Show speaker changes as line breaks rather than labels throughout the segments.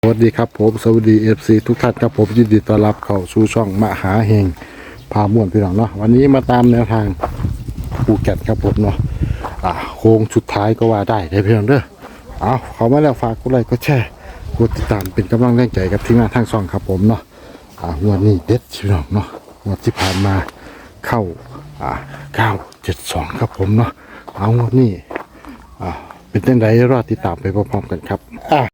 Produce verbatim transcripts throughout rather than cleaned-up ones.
สวัสดีครับผมสวัสดีเอฟซีทุกท่านครับผมยินดีต้อนรับเข้าสู่ช่องมหาเฮงพาม่วนพี่น้องเนาะวันนี้มาตามแนวทางภูเก็ตครับผมเนาะอ่าโค้งสุดท้ายก็ว่าได้ได้พี่น้องเด้อเอาเขามาแล้วฝากกดไลค์กดแชร์กดติดตามเป็นกำลังแรงใจกับทีมงานทางช่องครับผมเนาะอ่างวดนี้เด็ดพี่น้องเนาะงวดที่ผ่านมาเข้าอ่าเก้าเจ็ดสองครับผมเนาะเอางวดนี้อ่าเป็นจังไดรอติดตามไปพร้อมๆกันครับอ่า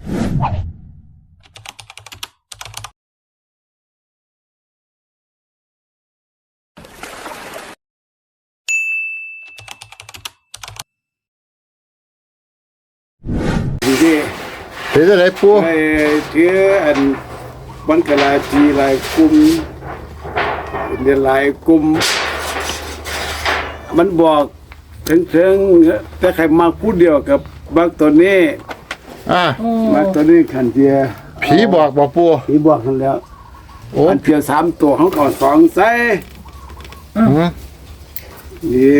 ดีดี
เป็นจังไดปู
ไอ้ที่อันบังกลาจีหลายกลุ่มเรียนหลายกลุ่มมันบอกถึงถึงแต่ใครมาพูดเดียวกับบักตัวนี้
อ่า
บักตัวนี้ขันเทีย
ผีบอกบอกปู
ผีบอกกันแล้ว
โอ้
อันเทียสามตัวเขาก่อนสองใส่
อืม
นี่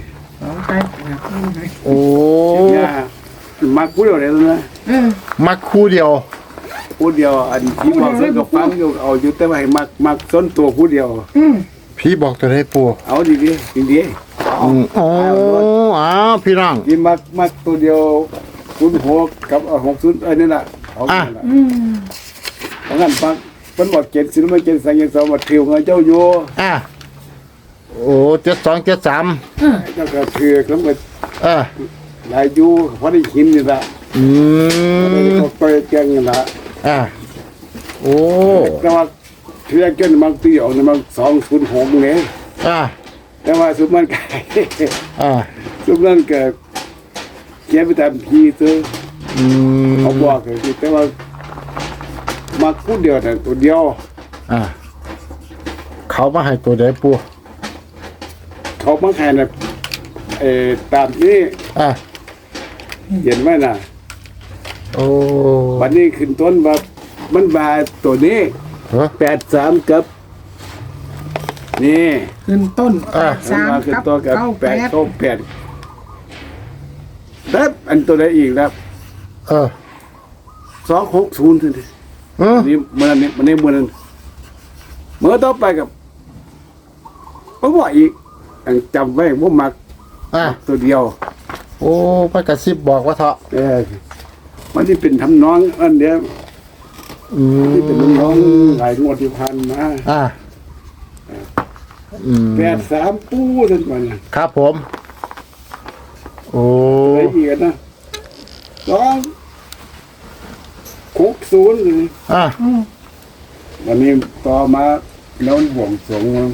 โอ้
เนี่ยมาพูดเดียวเลยนะ
มักคู่เดียว
พูดเดียวอันผีบอกเส้นกับฟังอยู่เอาอยู่แต่ว่าให้มักมักส้นตัวพูดเดียว
ผีบอกตัวได้ปู
เอาดีดีดีดี
อืมโอ้อ้าวพี่น้อง
ยินมักมักตัวเดียวศูนย์หกกับหกศูนย์เอ้ยนี่แหละเอาเงินละเอาเงินปักมันบอกเจ็ดสิบไม่เจ็ดสังเกตสองมาถิวเงินเจ้าอยู่
อ่ะโอ้เจ็ดสองเจ็ดสาม
เจ้าก็ถือแล้วก็
เออ
หลายอยู่เพราะได้หินนี่ละ
อื
ได้
ม
เขาไปแกงนี่ละ
อ่ะโอ้
แต่ว่าเทือกเจ้ามันตีออกนี่มันสองศูนย์หกเนี่ย
อ่ะ
แต่ว่าสุดมันไก่
อ่ะ
สุดนั้นก็เก็บไปตามพีซื้อ
อืม
เขาบอกเลยแต่ว่ามาพูดเดียวแต่ตัวเดียว
อ่ะเขามาให้ตัวได้ปู
เขามาแข่งนะเออตามนี้
อ่ะ
เห็นไหมนะ
โอ้
วันนี้ขึ้นต้นว่ามันบาตัวนี้
เฮ้อ
แปดสามกับ นี่
ขึ้นต้น
อ่ะ
สาม
นขึ้น
กับ
ต้นกับ
เก้า
แป
แป
ด
ด
เก้าแปดแล้วอันตัวไหนอีกแล้ว
เออ
สองหกศูนย์ทีนี้
เออ
นี่เมื่อนี้มันนี้เมื่อนั้นเมื่อต่อไปกับผมบอกอีกอันจำไว้ว่ามัก
อ่ะ
ตัวเดียว
โอ้พระกระซิบบอกว่าเถาะ
เออมันที่เป็นทำน้องอันเดียว
อืม
ที่เป็นน้องหลายงวดที่พันมา
อ่ะอืม
แปดสามปูท่านก่อนนะครับ
ผม โอ้
ละเอียดนะสองหกศูนย์เลย
อ่ะ
วันนี้ต่อมาแล้วบวงสรวงมา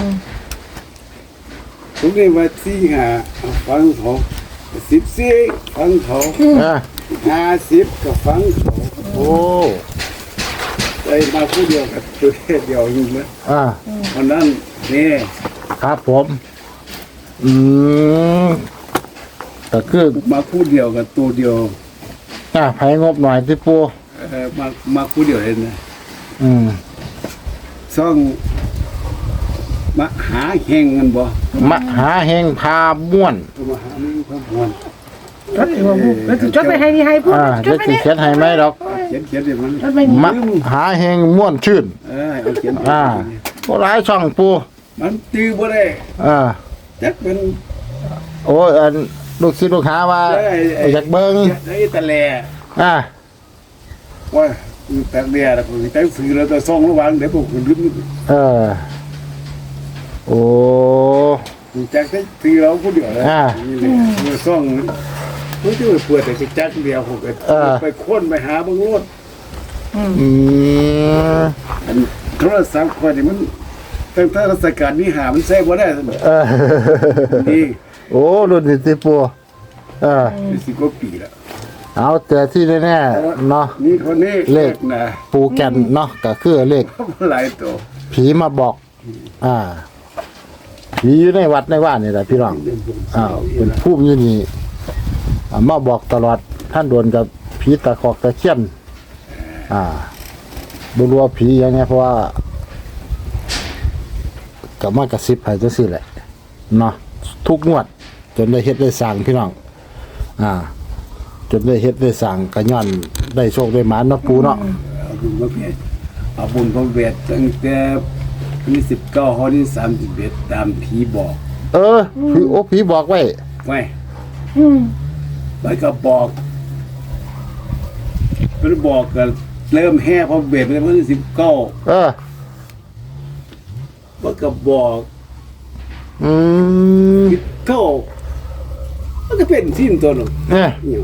ทุกนี้ว่าสี่ห้าฟังเขาสิบสี่ฟังเขา
อ่ะ
ห้าสิบก็ฟังเขา
โอ้
ได้มาผู้เดียวกับตัวเดียวอยู่นะ
อ่ะ
เพราะนั้นนี่
ครับผม อืมก็คือ
มาผู้เดียวกับตัวเดียว
อ่ะไผงบหน่อยที่ปู
เออมามาผู้เดียวเองนะ
อืม
ซ่องมาหาแหงกันบ่
มหาเฮงพาม่วน
มาหาไม่มีความหวน
จดหัวบุกแล้วจดไปให้นี่ให้พูด
อ่า
จ
เดี๋ย
ด
ว
ไป
สิ
นี่
เขียนให้ไหมดอก
เขียนเขียนเดี๋ยวมัน
จดไปนี่
มหาเฮงม่วนชื่น
เออเอาเขียน
อ่าก็หลายช่องปู
มันจื้อบ่ได้
อ่า
จักเป็น
โอ้ยอันลูกศิษย์ลูกหาว่าอยากเบิ่ง
ไอ้ตะแล
อ่า
ว่าตะแลแล้วก็ตั้งสื่อแล้วก็ซ่องระวังเดี๋ยวพวกคุณลืม
เออ โอ้
จักได้สื่อเราผู้เดียวเลย
อ่า
นี่แหละมือซ่องเพิ่นจะเปิดแต่จักเดียวพวกก็
เออ
ไปค้นไปหาเบิ่งโลด
อืม
อันโทรศัพท์ข้อยนี่มันตั้งแต่ราชการนี้หามันใช้บ่ได้ซั่น
เออ
นี่
โอ้รุ่นนี้ที่ปูเออ
สิบกว่าปีแล้ว
เอาแต่ที่แน่ๆเนาะ
นี่คนนี้
เลข
นะ
ปูแก่นเนาะก็คือเลข
หลายตัว
ผีมาบอก อ่า ผีอยู่ในวัดในว่านนี่แหละพี่น้องอ้าวเป็นผู้อยู่นี่อ่ามาบอกตลอด ท่านโดนกับผีตะขอกตะเคียน อ่าบรัวาผีอย่างเงี้ยเพราะว่ากับมากระซิบให้จังซี่แหละ เนาะ ทุกงวด จนได้เฮ็ดได้สร้างพี่น้อง อ่าจนได้เฮ็ดได้สั่งกระย่อนได้โชคได้หมานเนาะปูเนาะ
เอาบุญมาเบียดเอาบุญมาเบียดตั้งแต่วันที่สิบเก้าข้อที่สามสิบเอ็ดตามผีบอก
เออพี่โอ้ผีบอกไว้
ไว้
อืม
แล้วก็บอกเป็นบอกกันเริ่มแห่พอเบียดไปวันที่สิบเก้า
เออ
มันก็บอก
อืม
สิบเก้ามันก็เป็นสิ้นตัวหนึ่ง
เนี่ย
อย่าง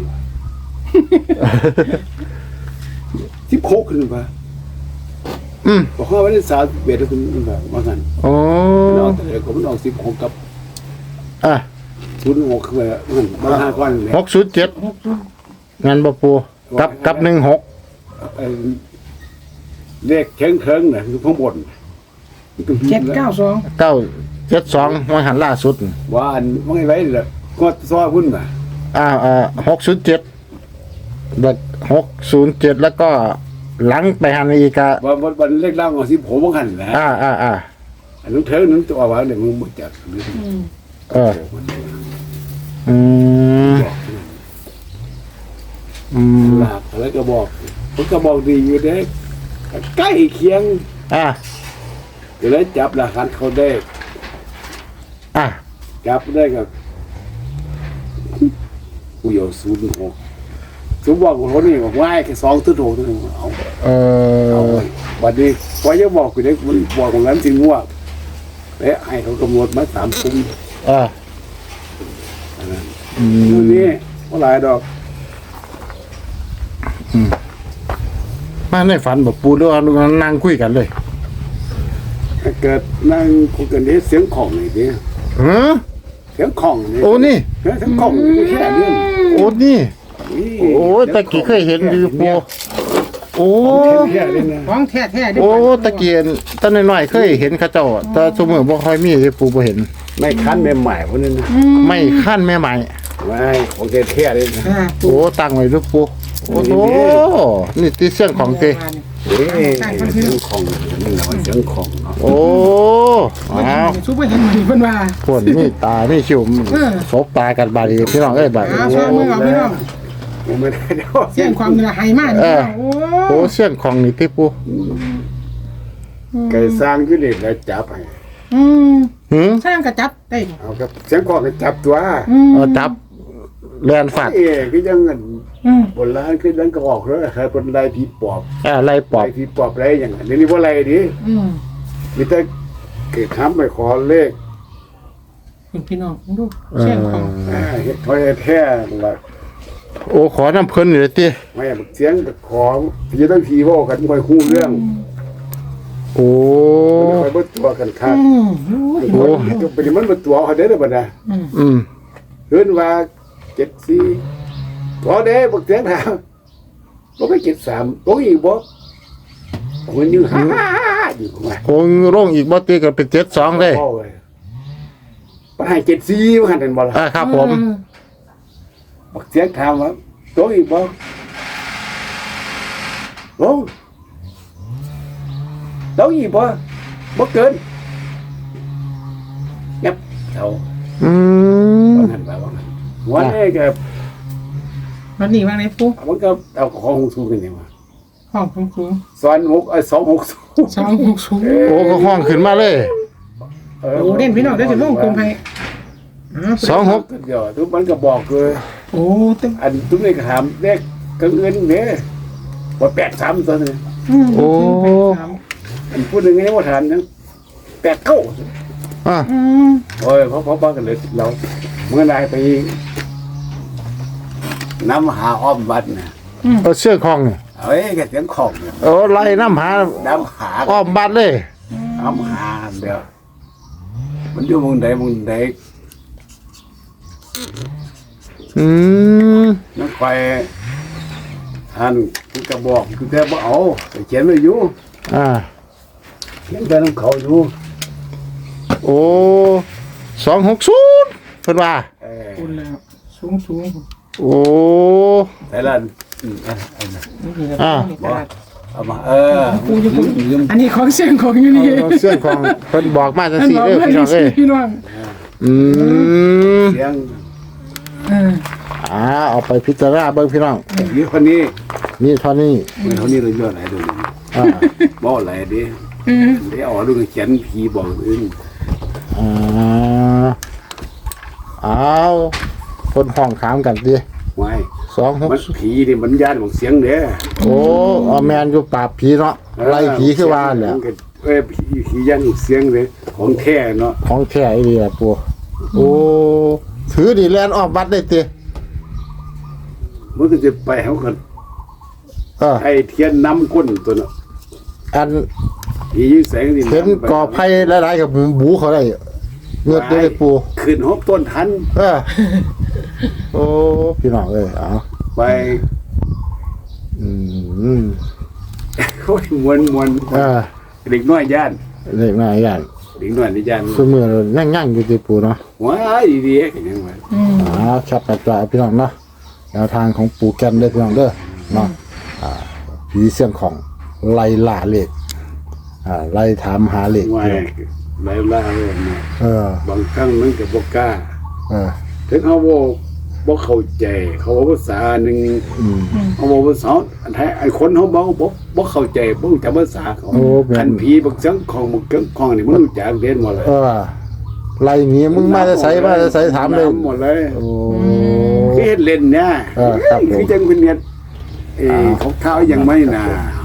สิบหกขึ้นมา
อืม
บอกว่าวันที่สามสิบเอ็ดขึ้นมาว่ากัน
โอ้
มันออกแต่ละก็มันออกสิบหกกับ
อ่ะ
ศูนย์หกคือมันมาห้าก้อนเลย
หกศูนย์เจ็ดงานบ่ปูกับกับหนึ่งหก
เอ่อเลขเชิงเชิงๆน่ะคือข้างบน
เจ็ดเก้าสอง
เก้าเจ็ดสองวันหันล่าสุด
ว่าอันว่าไงไรเนี่ยก็ซ้อหุ้นมา
อ่าอ่าหกศูนย์เจ็ดแบบหกศูนย์เจ็ดแล้วก็หลังไปหันอีกอะ
ว่าวันวันเลขล่างของสิบหกว่ากันนะ
อ่าอ่าอ่า
อันนั้นเทิงนั้นตัวว่าเนี่ยมึงหมดจาก
เอออืมอืม
หลักแล้วก็บอกมันก็บอกดีอยู่เด้ใกล้เคียง
อ่า
เดี๋ยวแล้วจับหลักฐานเขาได้
อ่า
จับได้กับกูอยู่ศูนย์หกสมบอกคนนี้บอกว่าแค่สองตัวโถตัวนึงเอา
เอ
เอา
อ
ไว้วันนี้พอจะบอกกูได้มันบอกของนั้นถึงว่าและให้เขากำหนดมาสามคุ้ม
อ่า
อันนั้น
อื
ที
ม
นี้ว่าหลายดอก
มาในฝันแบบปูด้วยนั่งคุยกันเลย
ถ้าเกิดนั่งคุยกันนี้เสียงของไหนดิ
เออ
เสียงของนี่
โอ้นี่
เสียงของนี่แค่เรื่อง
โอ้นี่
นี่
โอ้ตะกี้เคยเห็นอยู่ปูโอ้
แค่เรื่องนะ
ของแท้แท้ๆเด้
โอ้ตะเกียนตอนน้อยๆเคยเห็นเขาเจ้าแต่สมมติบ่ค่อยมีเลยปูบ่เห็น
ไม่คันใหม่ๆพวกนั้นนะ
ไม่ขั้นแม่ใหม่
ไม่ของแท้ๆเลยนะ
อ่า
โอ้ตั้งไว้ลูกปูโอ้โหนี่ที่เสียงของเต
เอ้ยเสียงของนี่แหละว่าเสียงของเนาะ
โอ้อ้าว
ซุปเปอร์เห็นเหมือนเพิ่นว่า
พวกนี่ตานี่ชิว
เออ
สบตากันบาดนีพี่น้องเอ้ยบาดนี้
อ้าวช่วยมือเอาพี่น้อง
ยังไม่ได้เดี๋ยว
เสียงความเหนือไหมากนี่พี่น้องโอ้
โอ้เสียงของนี่ที่ปู
ไก่สร้างขึ้นเองแล้วจับให้
อืม
หืม
สร้างกระจับได้
เอาครับเสียงของก็จับตัว
อืม
เอาจับแลนฟาด
เอ้ยก็ยังเงิน
อืม
บนร้านขึ้นนั้นก็ออกแล้วใครเป็นไรผีปอบ
อ่าไล่ปอบ
ไรผีปอบไรอย่างนั้นนี่ว่าไรดิ
อืม
มีแต่เกิดทำไปขอเลข
คุณพี่น้องดูเสียงของ
อ่าเฮ็ดถอยแท้ละ
โอ้ขอน้ำเพิ่นอยู่เลยติ
ไม่บักเสียงก็ขอพี่ต้องผีเว่ากันค่อยคู่เรื่อง
โอ้
มันค่อยเบิดตัวกันครับ
อืม
โอ้
เป็นมันเบิดตัวเขาได้แล้วบัดน่ะ
อืม
เฮือนว่าเจ็ดสี่ตัวเด้บักเสียงถามบ่ไปเจ็ดสามตัวอีกบ่มันอยู่ฮ่าๆๆอยู่ว่า
โอ้ร่งอีกบ่ติก็เป็นเจ็ดสองเลย
พ่อว้ยไปให้เจ็ดสี่ว่าหั่นนั่นบ่ล่ะ
อ่าครับผม
บักเสียงถามว่าตัวอีกบ่โอ้ตัวอีกบ่บ่เกินยับเท่า
อืม
ว่างั้นว่าว่างั้นวันนี้ก็
วันนี้ว่าไงปุ๊
มันก็เอาของสูงกันนี่ว่า
ห้องสูงสูง
สอนหกเอ้ยสองหกสูง
สองหกสูง
โอ้ก็ห้องขึ้นมาเลย
เออ
โอ้เด่นพี่น้องเดี๋ยวจะลงกลมให้อ๋อ
สองหก
เดี๋ยวทุกมันก็บอกเลย
โอ้ตึ้ง
อันทุกนี่ก็ถามเลขกังเงินเนี่ยว่าแปดสามตัวนึง
อืม
โอ้
อันพูดหนึ่งนี่ว่าถามนะแปดเก้า
อ่ะ
อืม
โอ้ยเขาเขาบ้ากันเลยเราเมื่อไรไปน้ำหาอ้อมวัดนะ
เอาเสื้อของนี่
เฮ้ยแกเสียงของเนี่ย
โอ้ไล่น้ำหา
น้ำหา
อ้อมบ้านเลย
น้ำหาเดียวมันอยู่เมึงใดเมึงใด
อืม
นั่นคอยท่านคือกระบอกคือแค่บ่เอาแต่เขียนไว้อยู่
อ่า
เขียนแต่น้ำเขาอยู่
โอ้สองหกศูนย์เพิ่นว่า
เออ
คุณแล้วสูงสูง
โอ้
แต่ละอืมอ่ะเอามา
นี่
อ่า
เอามาเออ
ปูอยู่ปู
ยืม
อันนี้ของเสียงของอยู่นี่
เอาเสื้อของเพิ่นบอกมาจัง
ท่าน
ซี่
บอก
เด้อ
เพื่อน
พี่น้อง
ที่
เอ้ย
พี่น้อง
อืม
เสียง
เออ
เอ่าเอาไปพิจารณาเบิ่งพี่น้อง
เดี๋ยวคนนี้
นี่เท่านี้
เมื่อเท่านี้เรายอดไหลตัวนี้
อ่า
บ่ไหลดิ
อืม
เดี๋ยวเอาดูเขียนผีบอกอื่น
อ่าเอาคนห้องขามกันดิ
ไว้
สองหก
มันผีนี่มันญาติของเสียงเด้อ
โอ้เอาแมนอยู่ปราบผีเนาะไล่ผีคือว่าแหละ
เอ้ยผีผีญาติของเสียงเลยของแท้เนาะ
ของแท้อีหลีล่ะปู่โอ้ถือดิแลนออกวัดได้ติ
มันก็จะไปเขากัน
เออ
ไอ้เทียนน้ำก้นตัวเนาะ
อัน
ผียิ่งแสงนี่
เห็นกอไผ่หลายๆกับบูเขาได้เงือดได้ปู่
ขึ้นหกต้นทัน
เออโอ้พี่น้องเอ้ยเอา
ไป
อืม
โอ้ยมวนมวน
เออ
เด็กน้อยย่าน
เล็กน้อยอย่าง
เด็กน้อยในย่าน
ซุมื้อนั่งๆอยู่ติปู่เนาะ
ว้ายดีๆกันยังไง
อืม
อ่าชัดกระจายพี่น้องเนาะแนวทางของปู่แก่นเด้อพี่น้องเด้อเนาะอ่าผีเสียงของไล่ล่าเลขอ่าไล่ถามหาเลข
ว้ายหลายล่าเลยนะ
เออบ
างครั้งมันก็บ่กล้า
เออ
ถึงเขาบ่บ่เข้าใจเขาบอกภาษาหนึ่ง
อืม
เขาบอกภาษาอันแท้ไอ้คนเขาบ่บ่บ่เข้าใจบ่รู้จักภาษาเขา
โอ้แม่น
คันผีบักเสียงของบักเกิงของนี่มันรู้จักเรียนหมดเลย
เออไล่หนีมึงมาจะใส่มาจะใส่ถามเลย
หมดเลย
โอ้
คือเฮ็ดเล่นเนี่ย
เออครับผม
คือจังเป็นเนี่ยเออเขาข้าวยังไม่น่า